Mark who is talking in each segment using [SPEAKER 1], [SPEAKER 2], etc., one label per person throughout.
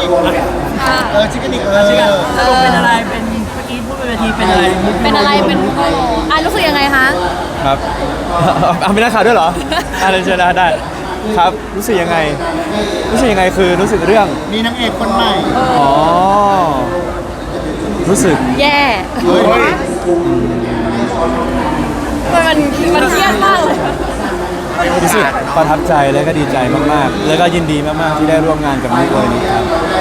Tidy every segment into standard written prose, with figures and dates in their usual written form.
[SPEAKER 1] ชิคกี้พาย
[SPEAKER 2] สรุปเป็นอะไรเป็นเมื่อกี้พูดบนเวทีเป็นอะไร
[SPEAKER 3] เป็นรู้สึกยังไงคะ
[SPEAKER 4] ครับเอาไม่ได้ข่าวด้วยเหรออะไรเชิญได้ครับรู้สึกยังไงคือรู้สึกเรื่อง
[SPEAKER 1] มีนางเอกคนใหม่
[SPEAKER 4] อ๋อรู้สึก
[SPEAKER 3] แย่มันเครียดมากเลย
[SPEAKER 4] รู้สึกประทับใจและก็ดีใจมากๆแล้วก็ยินดีมากๆที่ได้ร่วมงานกับนุ๊กเลยครับ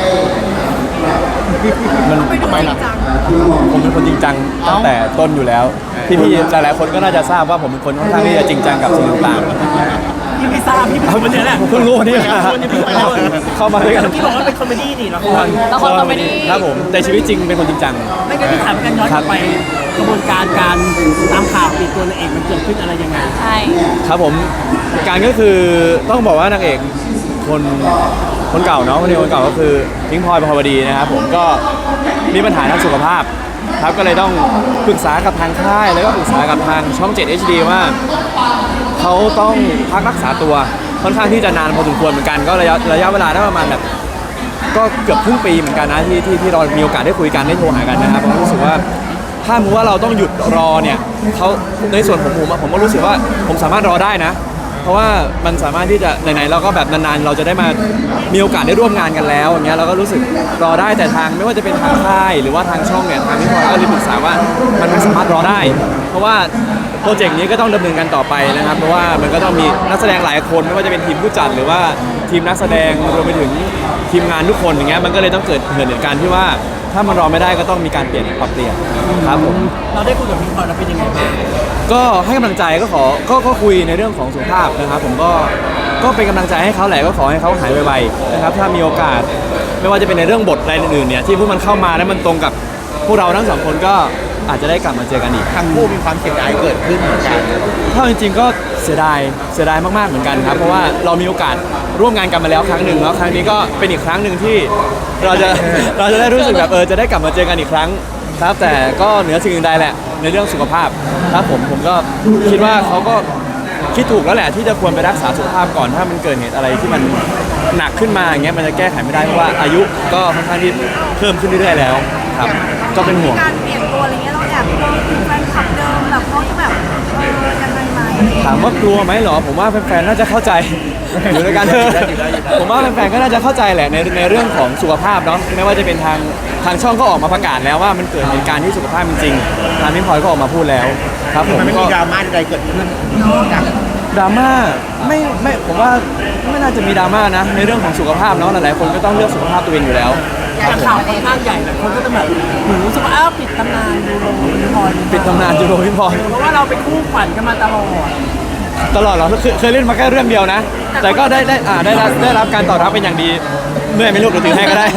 [SPEAKER 4] มันทำไมล่ะผมเป็นคนจริงจังตั้งแต่ต้นอยู่แล้วพี่หลายๆคนก็น่าจะทราบว่าผมเป็นคนค่อนข้างที่จะจริงจังกับสิ่งต่างๆ
[SPEAKER 2] พี่ไม่ทราบพี่เป็นคนนี้แหละ
[SPEAKER 4] เพิ่งรู้วันนี้เข้ามาด้วยกัน
[SPEAKER 2] ที่บอกว่าเป็นคอมเมดี้นี่ละคร
[SPEAKER 3] คอมเมดี้
[SPEAKER 4] ครับผมแต่ชีวิตจริงเป็นคนจริงจัง
[SPEAKER 2] ไม่งั้นพี่ถามกันย้อนกลับไปกระบวนการการตามข่าวปิดตัวนางเอกมันเกิดขึ้นอะไรยังไง
[SPEAKER 3] ใช่
[SPEAKER 4] ครับผมการก็คือต้องบอกว่านางเอกคนเก่าเนาะคนเก่าก็คือพิงค์พลอยประภาวดีนะครับผมก็มีปัญหาทางสุขภาพครับก็เลยต้องปรึกษากับทางค่ายแล้วก็ปรึกษากับทางช่อง 7 HD ว่าเขาต้องพักรักษาตัวค่อนข้างที่จะนานพอสมควรเหมือนกันก็ระยะเวลาได้ประมาณแบบก็เกือบครึ่งปีเหมือนกันนะที่เรามีโอกาสได้คุยกันได้โทรหากันนะครับผมรู้สึกว่าถ้าว่าเราต้องหยุดรอเนี่ยเขาในส่วนผมก็รู้สึกว่าผมสามารถรอได้นะเพราะว่ามันสามารถที่จะไหนๆเราก็แบบนานๆเราจะได้มามีโอกาสได้ร่วมงานกันแล้วอย่างเงี้ยเราก็รู้สึกรอได้แต่ทางไม่ว่าจะเป็นทางค่ายหรือว่าทางช่องเนี่ยทางพี่พลอยก็เลยปรึกษาว่ามันไม่สามารถรอได้เพราะว่าโปรเจกต์นี้ก็ต้องดำเนินกันต่อไปนะครับเพราะว่ามันก็ต้องมีนักแสดงหลายคนไม่ว่าจะเป็นทีมผู้จัดหรือว่าทีมนักแสดงรวมไปถึงทีมงานทุกคนอย่างเงี้ยมันก็เลยต้องเกิดเหตุการณ์ที่ว่าถ้ามันรอไม่ได้ก็ต้องมีการปรับเปลี่ยนครับผม
[SPEAKER 2] เราได้คุยกับพี่พลอยแล้วเป็นยังไงบ้าง
[SPEAKER 4] ก็ให้กำลังใจก็คุยในเรื่องของสุขภาพนะครับผมก็เป็นกำลังใจให้เขาแหละก็ขอให้เขาหายไวๆนะครับถ้ามีโอกาสไม่ว่าจะเป็นในเรื่องบทอะไรอื่นๆเนี่ยที่พวกมันเข้ามาแล้วมันตรงกับพวกเราทั้งสองคนก็อาจจะได้กลับมาเจอกันอีก
[SPEAKER 1] ทั้งคู่มีความเสียดายเกิดขึ้นเหมือนกัน
[SPEAKER 4] ถ้าจริงๆก็เสียดายมากๆเหมือนกันครับเพราะว่าเรามีโอกาสร่วมงานกันมาแล้วครั้งหนึ่งแล้วครั้งนี้ก็เป็นอีกครั้งหนึ่งที่เราจะได้รู้สึกแบบจะได้กลับมาเจอกันอีกครั้งครับแต่ก็เหนือสิ่งอื่นใดแหละในเรื่องสุขภาพครับผมก็คิดว่าเขาก็คิดถูกแล้วแหละที่จะควรไปรักษาสุขภาพก่อนถ้ามันเกิดเหตุอะไรที่มันหนักขึ้นมาอย่างเงี้ยมันจะแก้ไขไม่ได้เพราะว่าอายุก็ค่อนข้างที่เพิ่มขึ้นเรื่อยๆแล้วครับก็เป็นห่วง
[SPEAKER 3] การเปลี่ยนตัวอะไรเงี้ยเราแอบแฟนคลับเดิมแบบเขาจะแบบยังไงไหม
[SPEAKER 4] ถามว่ากลัวไหมเหรอผมว่าแฟนๆน่าจะเข้าใจอยู่ในการผมว่าแฟนๆก็น่าจะเข้าใจแหละในเรื่องของสุขภาพเนาะไม่ว่าจะเป็นทางช่องก็ออกมาประกาศแล้วว่ามันเกิดเหตุการณ์ที่สุขภาพจริงๆทางพี่พลอยก็ออกมาพูดแล้วครับผม
[SPEAKER 1] มันไม่มีดราม่าใดเกิดขึ้น
[SPEAKER 4] ดราม่าไม่ผมว่าไม่น่าจะมีดราม่านะในเรื่องของสุขภาพเนาะหลายๆคนก็ต้องเลือกสุขภาพตัวเองอยู่แล้ว
[SPEAKER 2] แต่ข่าวค่อนข้างใหญ่หลายคนก็จะแบบเหมือนรู้สึกว่าปิดตำนานยูโรพี่พลอย
[SPEAKER 4] ปิดตำนานยูโรพี่พลอย
[SPEAKER 2] เพราะว่าเราเป็นคู่ขวัญกันมาตลอด
[SPEAKER 4] เหรอเคยเล่นมาแค่เรื่องเดียวนะแต่ก็ได้รับการตอบรับเป็นอย่างดีเมื่อไม่รู้หรือถือให้ก็ได้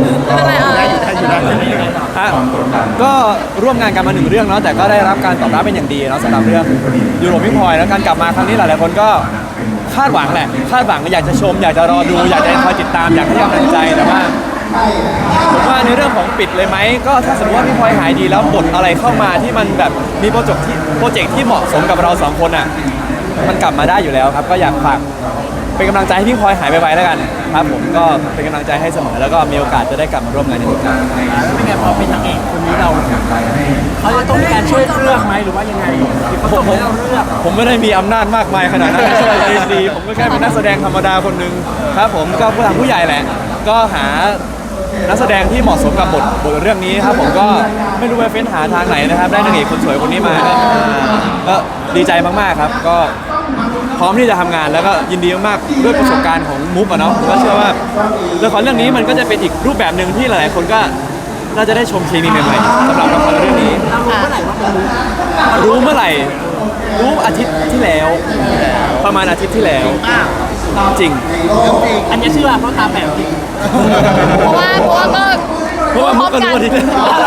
[SPEAKER 4] ก็ร่วมงานกันมา1เรื่องเนาะแต่ก็ได้รับการตอบรับเป็นอย่างดีเนาะสำหรับเรื่องยูโรพี่พลอยแล้วการกลับมาครั้งนี้หลายๆคนก็คาดหวังอยากจะชมอยากจะรอดูอยากจะคอยติดตามอยากให้กำลังใจแต่ว่าผมว่าในเรื่องของปิดเลยไหมก็ถ้าสมมติว่าพี่พลอยหายดีแล้วบทอะไรเข้ามาที่มันแบบมีโปรเจกต์ที่เหมาะสมกับเรา2คนอ่ะมันกลับมาได้อยู่แล้วครับก็อยากฝากเป็นกำลังใจให้พี่พลอยหายไปแล้วกันครับผมก็เป็นกำลังใจให้เสมอแล้วก็มีโอกาสจะได้กลับมาร่วมงานอีกครั้ง
[SPEAKER 2] เป็นไงพอเป็นนางเอกคนนี้เราเขาจะต้องมีการช่วยเลือกไหมหรือว่ายังไง
[SPEAKER 4] ผมไม่ได้มีอำนาจมากมายขนาดนั้นช่วยดีผมก็แค่เป็นนักแสดงธรรมดาคนหนึ่งครับผมก็ผู้ใหญ่แหละก็หานักแสดงที่เหมาะสมกับบทเรื่องนี้ครับผมก็ไม่รู้ว่าเฟ้นหาทางไหนนะครับได้นางเอกคนสวยคนนี้มาก็ดีใจมากๆครับก็พร้อมที่จะทำงานแล้วก็ยินดีมากๆด้วยประสบการณ์ของมุกอะเนาะก็เชื่อว่าละครเรื่องนี้มันก็จะเป็นอีกรูปแบบหนึ่งที่หลายๆคนก็น่าจะได้ชมเคมีใหม่ๆสำหรับละครเรื่องนี้รู้เมื่อไหร่รู้อาทิตย์ที่แล้วประมาณอาทิตย์ที่แล้วจริง
[SPEAKER 2] อันนี้เชื่อเพราะตาแป๋วจริง
[SPEAKER 3] เพราะว่า
[SPEAKER 4] มุกก็รู้อาทิตย์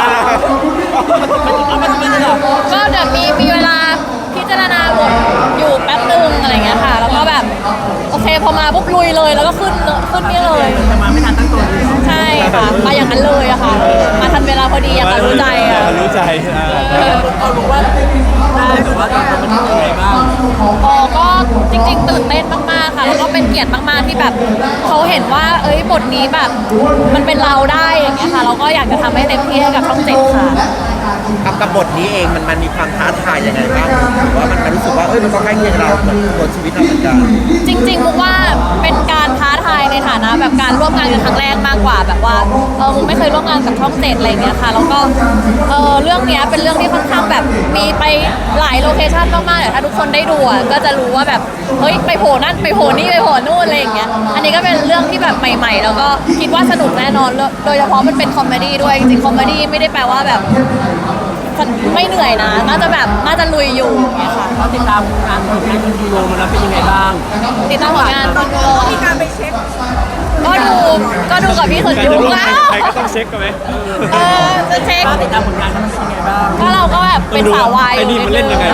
[SPEAKER 3] ก็เดี๋ยวมีเวลาพิจารณาบทอยู่แป๊บนึงอะไรเงี้ยค่ะแล้วก็แบบโอเคพอมาปุ๊บลุยเลยแล้วก็ขึ้นนี่เลย
[SPEAKER 2] จะมาไม่ทันตั้งตัว
[SPEAKER 3] ใช่ค่ะมาอย่างนั้นเลยอะค่ะมาทันเวลาพอดีอะค่ะรู้ใจอะ
[SPEAKER 4] รู้ใจ
[SPEAKER 2] ก็รู้ว่าได้หรือว่าตอนมันเป็นยังไงบ้าง
[SPEAKER 3] ก็จริงๆตื่นเต้นมากๆค่ะแล้วก็เป็นเกียรติมากๆที่แบบเขาเห็นว่าบทนี้แบบมันเป็นเราได้อย่างเงี้ยค่ะเราก็อยากจะทำให้เต็มที่ให้กับช่องเจ็ดค่ะ
[SPEAKER 1] กับบทนี้เองมันมีความท้าทายยังไงบ้างหรือว่ามันรู้สึกว่ามันก็ใกล้เคียงเราเหมือนตัวชีวิตเราเหมือนกัน
[SPEAKER 3] จริงๆมุกว่าเป็นการท้าทายในฐานะแบบการร่วมงานกันครั้งแรกมากกว่าแบบว่ามุกไม่เคยร่วมงานกับช่องเจ็ดอะไรอย่างเงี้ยค่ะแล้วก็เรื่องเนี้ยเป็นเรื่องที่ค่อนข้างแบบมีไปหลายโลเคชั่นมากๆเดี๋ยวถ้าทุกคนได้ดูก็จะรู้ว่าแบบเฮ้ยไปโผล่นั่นไปโผล่นี่ไปโผล่นู่นอะไรอย่างเงี้ยอันนี้ก็เป็นเรื่องที่แบบใหม่ๆแล้วก็คิดว่าสนุกแน่นอนโดยเฉพาะมันเป็นคอมเมดี้ด้วยจริงๆคอมเมดี้ไม่ได้แปลว่าแบบไม่เหนื่อยนะน่าจะลุยอยู่เนี่ยค่ะ
[SPEAKER 2] เราติดตามงานผลงานคุณยูโรมาแล้วเป็นยังไงบ้าง
[SPEAKER 3] ติดตามผลงานคุณโรมีการไปเช็คก็ดูกับพี่คนยูแล้ว
[SPEAKER 4] ใครก็ต้องเช็คกันไหม
[SPEAKER 3] จะเช็ค
[SPEAKER 2] ติดตามผลงานเขาเป็นยังไงบ้าง
[SPEAKER 3] ก็เราก็แบบเป็นสาววาย
[SPEAKER 4] ไอ้นี่มันเล่นยังไง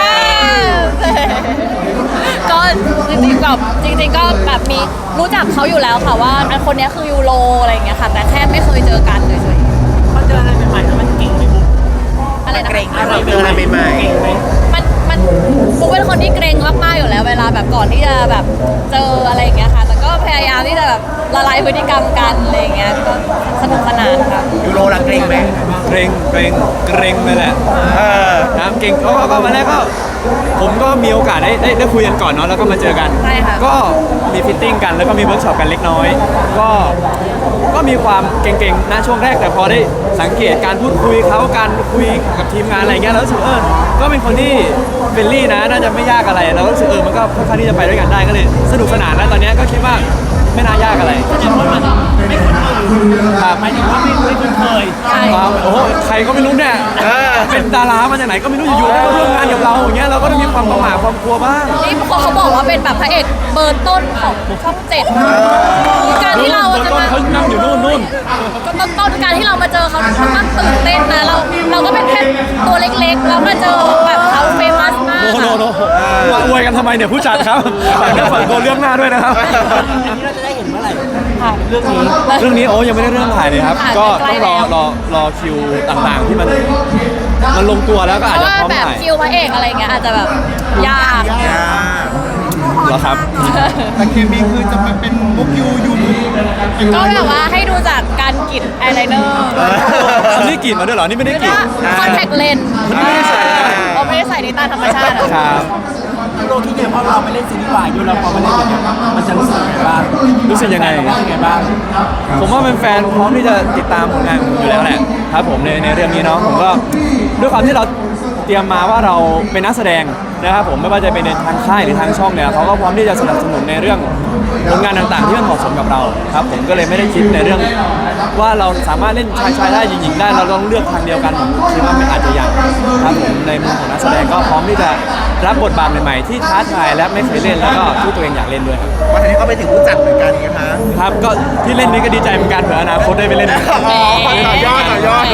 [SPEAKER 3] ก็จริงๆก็แบบมีรู้จักเขาอยู่แล้วค่ะว่าอันคนนี้คือยูโรอะไรอย่างเงี้ยค่ะแต่แค่ไม่เคยเจอกันเฉย
[SPEAKER 2] เขาเจออะไรใหม่ๆแล้วมันเก่งไหมบุ๊ก
[SPEAKER 3] ๆอะไรนะ
[SPEAKER 1] เกรงอะไรเจออะไรใหม่
[SPEAKER 2] เก่งไหม
[SPEAKER 3] มันปุ๊กเป็นคนที่เกรงมากๆอยู่แล้วเวลาแบบก่อนที่จะแบบเจออะไรอย่างเงี้ยค่ะแต่ก็พยายามที่จะแบบละลายพฤติกรรมกันอะไรอย่างเงี้ยก็สนุกสนานค่ะ
[SPEAKER 1] ยูโรละเกรงไหม
[SPEAKER 4] เกรงไปแหละนะเก่งก็มาแรกก็ผมก็มีโอกาสได้คุยกันก่อนเนาะแล้วก็มาเจอกัน
[SPEAKER 3] ใช่ค่ะ
[SPEAKER 4] ก็มีฟิตติ้งกันแล้วก็มีเวิร์กช็อปกันเล็กน้อย ก็มีความเก่งๆนะช่วงแรกแต่พอได้สังเกตการพูดคุยเขาการคุยกับทีมงานอะไรเงี้ยแล้วรู้สึกก็เป็นคนที่เฟรนลี่นะน่าจะไม่ยากอะไรแล้วก็รู้สึกมันก็ค่อนข้างที่จะไปด้วยกันได้ก็เลยสนุกสนานแล้วตอนนี้ก็คิดว่าไม่น่ายากอะไร
[SPEAKER 2] แสดงว่ามันไม่คุ้นเคย
[SPEAKER 4] ครับ
[SPEAKER 2] หมายถึงว่าไม่คุ้นเคย
[SPEAKER 3] ใช่
[SPEAKER 4] โอ้โหใครก็ไม่รู้เนี่ยเป็นดารามาจากไหนก็ไม่รู้อยู่ๆได้มาร่วมงานกับเราอย่างเงี้ยเราก็ต้องมีความประหม่าความกลัวบ้าง
[SPEAKER 3] นี่เขาบอกว่าเป็นแบบพระเอกเบอร์ต้นของช่องเจ็ดการที่เราจะมา
[SPEAKER 4] เขานั่งอยู่นู่น
[SPEAKER 3] ก็ต้นการที่เรามาเจอเขามันตื่นเต้นนะเราก็เป็นแค่ตัวเล็กๆแล้วมาเจอแบบเขาเฟมัสมาก
[SPEAKER 4] โนมาอวยกันทำไมเนี่ยผู้จัดครับฝากตัวเรื่องหน้าด้วยนะครับ
[SPEAKER 2] อันนี้เราจะได้เห็นเมื่อไหร่
[SPEAKER 3] ค่ะ
[SPEAKER 2] เรื่องนี้
[SPEAKER 4] เรื่องนี้ยังไม่ได้เริ่มถ่ายเลยครับ
[SPEAKER 3] ค่ะ
[SPEAKER 4] ก็
[SPEAKER 3] ใกล้
[SPEAKER 4] ต้อง
[SPEAKER 3] แล้ว
[SPEAKER 4] รอคิวต่างๆที่มันลงตัวแล้วก็
[SPEAKER 3] เพ
[SPEAKER 4] อาจ
[SPEAKER 3] ราะ
[SPEAKER 4] จะ
[SPEAKER 3] ว่า
[SPEAKER 4] พร้อม
[SPEAKER 3] แบบ
[SPEAKER 4] ถ่าย
[SPEAKER 3] คิวพระเอกอะไรเงี้ยอาจจะแบบยาก
[SPEAKER 4] เหรอครับ
[SPEAKER 1] แต่เคมีคือจะเป็นมุกยูมุก
[SPEAKER 3] ก็แบบว่าให้ดูจากการกรีดอายไลเนอร์
[SPEAKER 4] นี่กรีดมาด้วยเหรอนี่ไม่ได้กรีด
[SPEAKER 3] คอนแทคเลนส์
[SPEAKER 4] ไม่ได้ใส่
[SPEAKER 3] เราไม่ได้ใส่ในตาธรรมชาติอะ
[SPEAKER 4] ครับ
[SPEAKER 2] ยูโรที่เนี่ยพอเราไปเล่นซีรีส์วายยูโรพอมาเล่นอย่างเงี้ยมันจะรู้สึกยังไงบ้าง
[SPEAKER 4] รู้สึกยังไง
[SPEAKER 2] รู้สึกยังไงบ้าง
[SPEAKER 4] ผมว่าเป็นแฟนพร้อมที่จะติดตามผลงานผมอยู่แล้วแหละครับผมในเรื่องนี้เนาะผมก็ด้วยความที่เราเตรียมมาว่าเราเป็นนักแสดงนะครับผมไม่ว่าจะเป็นในทางค่ายหรือทางช่องเนี่ยเขาก็พร้อมที่จะสนับสนุนในเรื่องผลงานต่างๆที่มันเหมาะสมกับเราครับผมก็เลยไม่ได้คิดในเรื่องว่าเราสามารถเล่นชายได้หญิงๆได้เราต้องเลือกทางเดียวกันผมคิดว่าไม่อาจจะยังครับผมในมุมของนักแสดงก็พร้อมที่จะรับบทบาทใหม่ๆที่ท้าทายและไม่เคยเล่นแล้วก็ที่ตัวเองอยากเล่นด้วยครับ
[SPEAKER 1] วันนี้ก็ไปถึงผู้จัดเหมือนกันไงคะ
[SPEAKER 4] ครับก็ที่เล่นนี้ก็ดีใจเหมือนกันเผื่ออนาคตได้ไปเล่น
[SPEAKER 1] ต่อยอด
[SPEAKER 4] ต่อยอด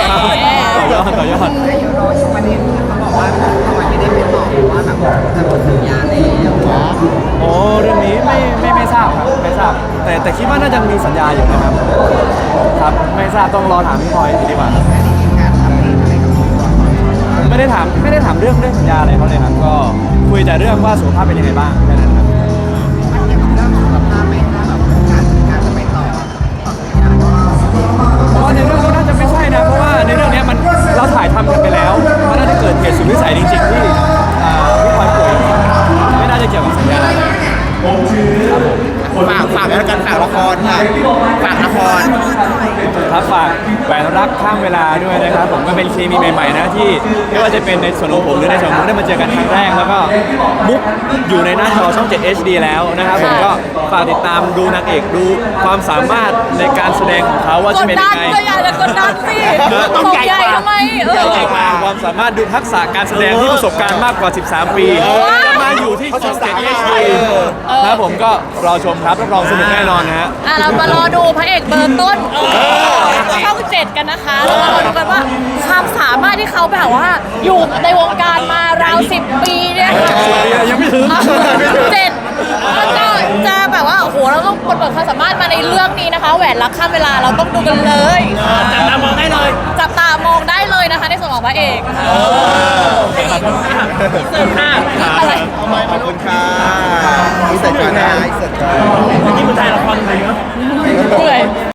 [SPEAKER 4] โอ้เรื่องนี้ไม่ทราบครับไม่ทราบแต่คิดว่าน่าจะมีสัญญาอยู่นะครับครับไม่ทราบต้องรอถามพี่พลอยดีกว่าไม่ได้ถามเรื่องสัญญาอะไรเขาเลยครับก็คุยแต่เรื่องว่าสุขภาพเป็นยังไงบ้างแค่นั้นครับเพราะว่าในเรื่องนี้น่าจะไม่ใช่นะเพราะว่าในเรื่องนี้มันเราถ่ายทำกันไปแล้วมันน่าจะเกิดเหตุสุดวิสัยจริงๆที่พี่พลอยป่วยไม่น่าจะเกี่ยวกับสัญญาครับผม
[SPEAKER 1] ฝากแล้วกันฝากละครค่ะฝากละคร
[SPEAKER 4] ครับฝากแหวนรักข้ามเวลาด้วยนะครับผมก็เป็นเคมีใหม่ๆนะที่ไม่ว่าจะเป็นในส่วนของผมหรือในส่วนของมุกได้มาเจอกันครั้งแรกแล้วก็มุกอยู่ในหน้าจอช่อง 7 HD แล้วนะครับผมก็ฝากติดตามดูนางเอกดูความสามารถในการแสดงของเขาว่าก จะ
[SPEAKER 3] ด
[SPEAKER 4] เป็น
[SPEAKER 3] ดั
[SPEAKER 4] ยั
[SPEAKER 3] น
[SPEAKER 4] งไง
[SPEAKER 3] ก็อย่าจะกดดันสิตกใหญ่ทำไม
[SPEAKER 4] ความสามารถดูทักษะการแสดงที่ประสบการณ์มากกว่า 13 ปีจะมาอยู่ที่ช่อง 7 HD นะครับผมก็รอชมครับรับรองสนุกแน่นอนนะฮะ
[SPEAKER 3] เรามารอดูพระเอกเบอร์ต้นช่องเจ็ดกันนะคะแล้วมารอดูกันว่าความสามารถที่เขาแบบว่าอยู่ในวงการมาราว10 ปีเนี่ยค่ะ
[SPEAKER 4] ยังไม่ถึง
[SPEAKER 3] 7แล้วก็จะแบบว่าโอ้โหเราต้องปลดเปิดความสามารถมาในเรื่องนี้นะคะแหวนรักข้ามเวลาเราต้องดูกันเลย
[SPEAKER 2] จับตามองได้เลย
[SPEAKER 3] จับตามองได้เลยนะคะในส่วนของของพระเอก
[SPEAKER 2] เสิร์ฟค่ะ
[SPEAKER 3] อะไร
[SPEAKER 1] ขอบคุณค่ะอีสานจ้าอีสานจ้า
[SPEAKER 2] ที่มึงถ่ายละครอะไรเนาะ
[SPEAKER 3] เหนื่อย